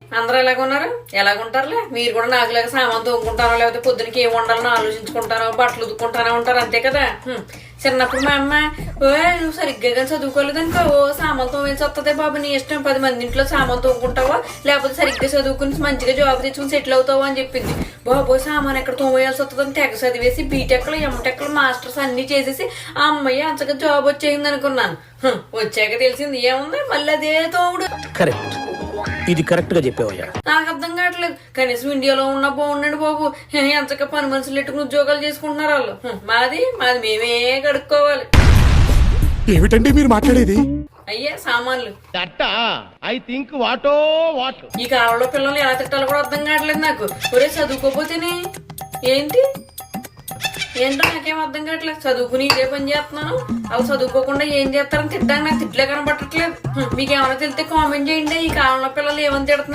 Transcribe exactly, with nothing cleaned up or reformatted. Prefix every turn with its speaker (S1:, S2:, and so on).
S1: అందరూ ఎలాగున్నారు? ఎలాగుంటారులే. మీరు కూడా నాకులాగా సామాన్ తోముకుంటారో లేకపోతే పొద్దునకి ఏం వండాలని ఆలోచించుకుంటారో బట్టలు ఉదుక్కుంటారో ఉంటారు అంతే కదా. చిన్నప్పుడు మా అమ్మ ఓ నువ్వు సరిగ్గా కానీ చదువుకోలేదనుకో ఓ సామాన్ తోమేసి వస్తుంది బాబు నీ ఇష్టం, పది మంది ఇంట్లో సామాన్ తోముకుంటావో లేకపోతే సరిగ్గా చదువుకుని మంచిగా జాబ్ తెచ్చుకుని సెటిల్ అవుతావు అని చెప్పింది. బాబో సామాన్ ఎక్కడ తోమేయాల్సి వస్తుందని తెగ చదివేసి బీటెక్లు ఎంటెక్లు మాస్టర్స్ అన్ని చేసేసి ఆ అమ్మాయి అంతగా జాబ్ వచ్చేసింది అనుకున్నాను. వచ్చాక తెలిసింది ఏముంది మళ్ళీ అదే తోముడు.
S2: కరెక్ట్, ఇది కరెక్ట్ గా చెప్పావయ్యా.
S1: నాకు అర్థం కావట్లేదు. కనీసం ఇండియాలో ఉన్నా బాగుండండి బాబు, ఎంతగా పని మనుషులు ఎట్టుకుని ఉద్యోగాలు చేసుకుంటున్నారు వాళ్ళు. మాది మాది మేమే కడుక్కోవాలి.
S3: ఏమిటండి మీరు మాట్లాడేది?
S1: అయ్యే సామాన్లు.
S4: ఐ థింక్ వాటో వాట్
S1: ఈ కాలంలో పిల్లల్ని ఎలా తిట్టాలో కూడా అర్థం కావట్లేదు నాకు. ఒరే చదువుకోపోతేనే ఏంటి ఏంటో నాకేం అర్థం కావట్లేదు. చదువుకుని ఇదే పని చేస్తున్నాను, అవి చదువుకోకుండా ఏం చేస్తారని తిట్టడానికి నాకు తిట్లే కనబట్టట్లేదు. మీకేమైనా తెలితే కామెంట్ చేయండి. ఈ కాలంలో పిల్లలు ఏమని తిడుతున్నారు?